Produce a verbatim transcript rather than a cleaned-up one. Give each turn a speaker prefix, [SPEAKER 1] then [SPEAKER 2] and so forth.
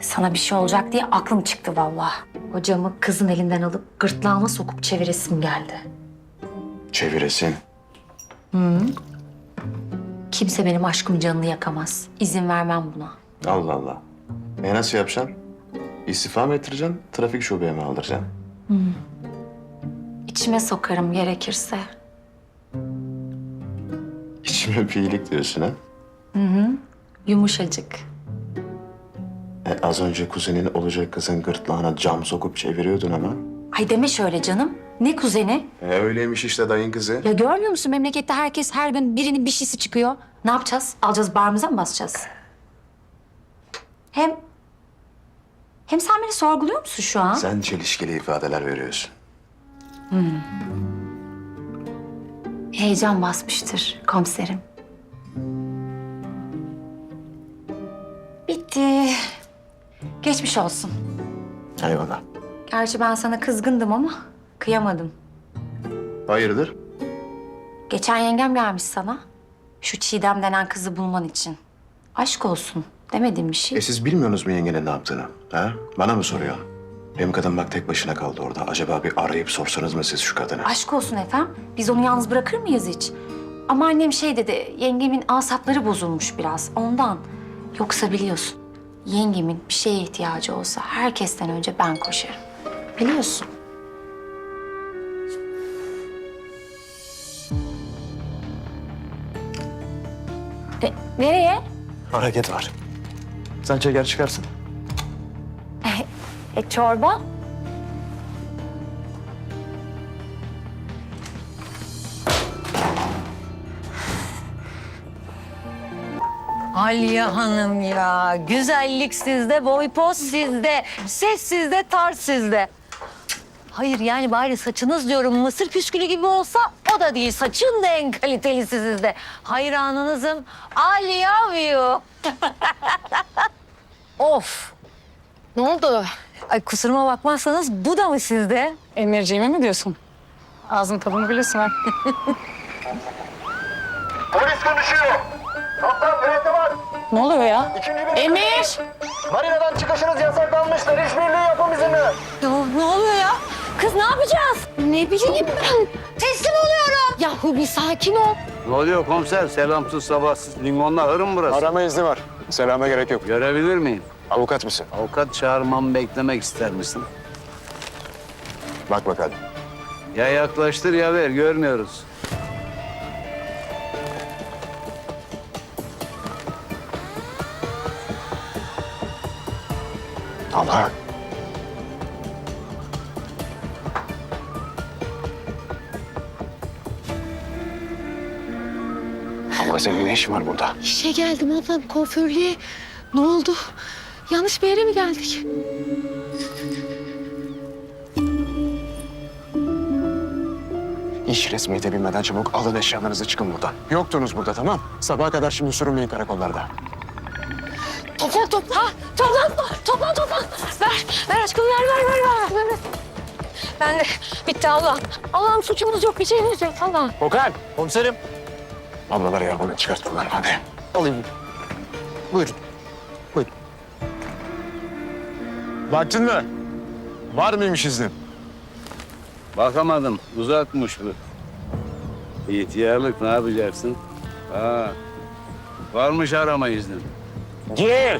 [SPEAKER 1] Sana bir şey olacak diye aklım çıktı vallahi. Hocamı kızın elinden alıp gırtlağıma sokup çeviresim geldi.
[SPEAKER 2] Çeviresin.
[SPEAKER 1] Kimse benim aşkım canını yakamaz. İzin vermem buna.
[SPEAKER 2] Allah Allah. E nasıl yapacaksın? İstifa mı ettireceksin, trafik şubeye mi aldıracaksın?
[SPEAKER 1] İçime sokarım gerekirse.
[SPEAKER 2] İçime bir iyilik diyorsun ha?
[SPEAKER 1] Yumuşacık.
[SPEAKER 2] E, az önce kuzenin olacak kızın gırtlağına cam sokup çeviriyordun ama.
[SPEAKER 1] Ay deme şöyle canım. Ne kuzeni?
[SPEAKER 2] E, öyleymiş işte dayın kızı.
[SPEAKER 1] Ya görmüyor musun memlekette herkes her gün birinin bir şeysi çıkıyor. Ne yapacağız? Alacağız bağrımıza mı basacağız? Hem... Hem sen beni sorguluyor musun şu an?
[SPEAKER 2] Sen çelişkili ifadeler veriyorsun.
[SPEAKER 1] Heyecan basmıştır komiserim. Bitti. Geçmiş olsun.
[SPEAKER 2] Eyvallah.
[SPEAKER 1] Gerçi ben sana kızgındım ama kıyamadım.
[SPEAKER 2] Hayırdır?
[SPEAKER 1] Geçen yengem gelmiş sana. Şu Çiğdem denen kızı bulman için. Aşk olsun demediğim bir şey.
[SPEAKER 2] E siz bilmiyorsunuz mu yengenin ne yaptığını? Ha? Bana mı soruyor? Benim kadın bak tek başına kaldı orada. Acaba bir arayıp sorsanız mı siz şu kadını?
[SPEAKER 1] Aşk olsun efendim. Biz onu yalnız bırakır mıyız hiç? Ama annem şey dedi, yengemin asapları bozulmuş biraz ondan. Yoksa biliyorsun, yengemin bir şeye ihtiyacı olsa herkesten önce ben koşarım. Biliyorsun. E, nereye?
[SPEAKER 2] Hareket var. Sen çeker çıkarsın.
[SPEAKER 1] E, çorba?
[SPEAKER 3] Aliye Hanım ya, güzellik sizde, boy poz sizde, ses sizde, tarz sizde. Hayır yani bari saçınız diyorum mısır püskülü gibi olsa o da değil. Saçın da en kalitelisi sizde. Hayranınızım. I love you. Of.
[SPEAKER 4] Ne oldu?
[SPEAKER 3] Ay kusuruma bakmazsanız bu da mı sizde?
[SPEAKER 4] Emirciğime mi diyorsun? Ağzın tadını biliyorsun ha.
[SPEAKER 5] Polis konuşuyor. Kaptan mürettebat.
[SPEAKER 4] Ne oluyor ya?
[SPEAKER 5] İkinci bir...
[SPEAKER 4] Emir!
[SPEAKER 5] Marinadan çıkışınız yasaklanmıştır. İşbirliği yapın bizimle.
[SPEAKER 3] Ya, ne oluyor ya? Kız ne yapacağız?
[SPEAKER 4] Ne bileyim ben.
[SPEAKER 3] Teslim oluyorum.
[SPEAKER 4] Yahu bir sakin ol.
[SPEAKER 6] Ne oluyor komiser? Selamsız sabahsız limonla hırım burası.
[SPEAKER 7] Arama izni var. Selama gerek yok.
[SPEAKER 6] Görebilir miyim?
[SPEAKER 7] Avukat mısın?
[SPEAKER 6] Avukat çağırmamı beklemek ister misin?
[SPEAKER 7] Bak bakalım.
[SPEAKER 6] Ya yaklaştır ya ver, görmüyoruz.
[SPEAKER 7] Allah. Ama senin ne işin var burada?
[SPEAKER 4] İşe geldim ablam kuaförlüğe. Ne oldu? Yanlış bir yere mi geldik?
[SPEAKER 7] İş resmiyete binmeden çabuk alın eşyalarınızı çıkın buradan. Yoktunuz burada tamam. Sabaha kadar şimdi sürünmeyin karakollarda.
[SPEAKER 4] Toplan toplan. Toplan toplan toplan. Ver ver aşkım ver ver ver ver. ver. ver. Ben de bitti Allah'ım. Allah'ım suçumuz yok bir şeyimiz yok Allah'ım.
[SPEAKER 7] Okan. Komiserim. Ablaları yardım çıkartın lan hadi. Alayım. Buyurun. Buyurun. Baktın mı? Var mıymış iznin?
[SPEAKER 6] Bakamadım, uzakmış bu. İhtiyarlık ne yapacaksın? Ha, varmış arama iznin.
[SPEAKER 7] Gel.